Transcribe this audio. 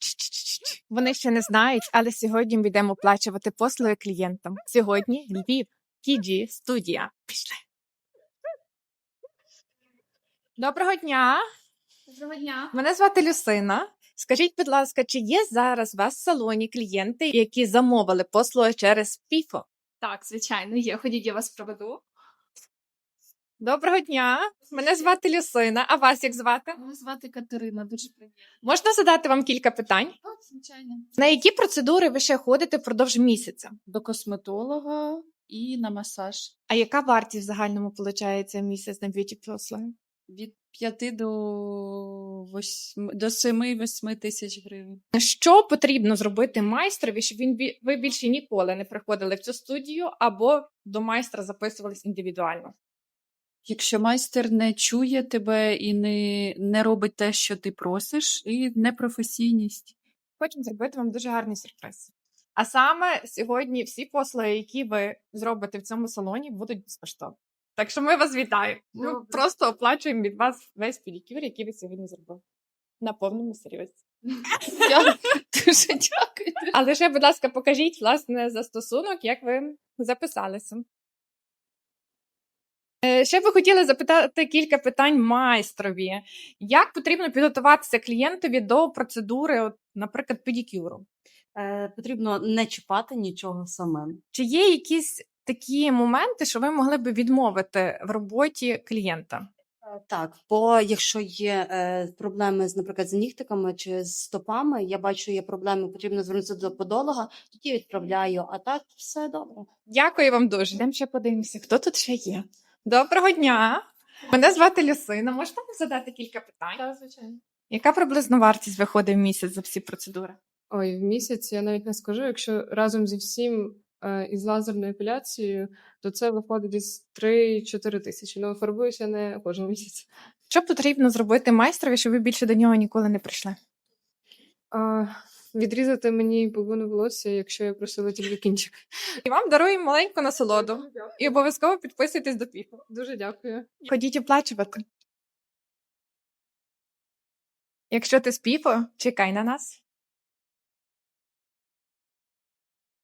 Вони ще не знають, але сьогодні ми йдемо оплачувати послуги клієнтам. Сьогодні Львів, KG студія. Пішли. Доброго дня. Доброго дня. Мене звати Люсина. Скажіть, будь ласка, чи є зараз у вас в салоні клієнти, які замовили послуги через ПІФО? Так, звичайно, є. Ходіть, я вас проведу. Доброго дня. Мене звати Люсина. А вас як звати? Мене звати Катерина, дуже приємно. Можна задати вам кілька питань? Так, звичайно. На які процедури ви ще ходите впродовж місяця? До косметолога і на масаж. А яка вартість в загальному виходить місяць на б'юті-послуги? Від 5 до 7-8 тисяч гривень. Що потрібно зробити майстрові, щоб ви більше ніколи не приходили в цю студію або до майстра записувались індивідуально? Якщо майстер не чує тебе і не робить те, що ти просиш, і непрофесійність. Хочемо зробити вам дуже гарний сюрприз. А саме сьогодні всі послуги, які ви зробите в цьому салоні, будуть безкоштовні. Так що ми вас вітаємо. Ми Добре. просто оплачуємо від вас весь педикюр, який ви сьогодні зробили. На повному серйозі. Дуже дякую. А лише, будь ласка, покажіть, власне, застосунок, як ви записалися. Ще б ви хотіли запитати кілька питань майстрові. Як потрібно підготуватися клієнтові до процедури, наприклад, педикюру? Потрібно не чіпати нічого самим. Чи є якісь такі моменти, що ви могли б відмовити в роботі клієнта? Так, бо якщо є проблеми наприклад, з нігтиками чи з стопами, я бачу, є проблеми, потрібно звернутися до подолога, тоді відправляю, а так все добре. Дякую вам дуже. Йдемо ще подивимося, хто тут ще є. Доброго дня! Мене звати Люсина. Можете вам задати кілька питань? Так, звичайно. Яка приблизно вартість виходить в місяць за всі процедури? Ой, в місяць я навіть не скажу. Якщо разом зі всім із лазерною епіляцією, то це виходить десь 3-4 тисячі. Ну, фарбуюся не кожен місяць. Що потрібно зробити майстрові, щоб ви більше до нього ніколи не прийшли? Відрізати мені половину волосся, якщо я просила тільки кінчик. І вам даруємо маленьку насолоду. І обов'язково підписуйтесь до ПІФО. Дуже дякую. Ходіть оплачувати. Якщо ти з ПІФО, чекай на нас.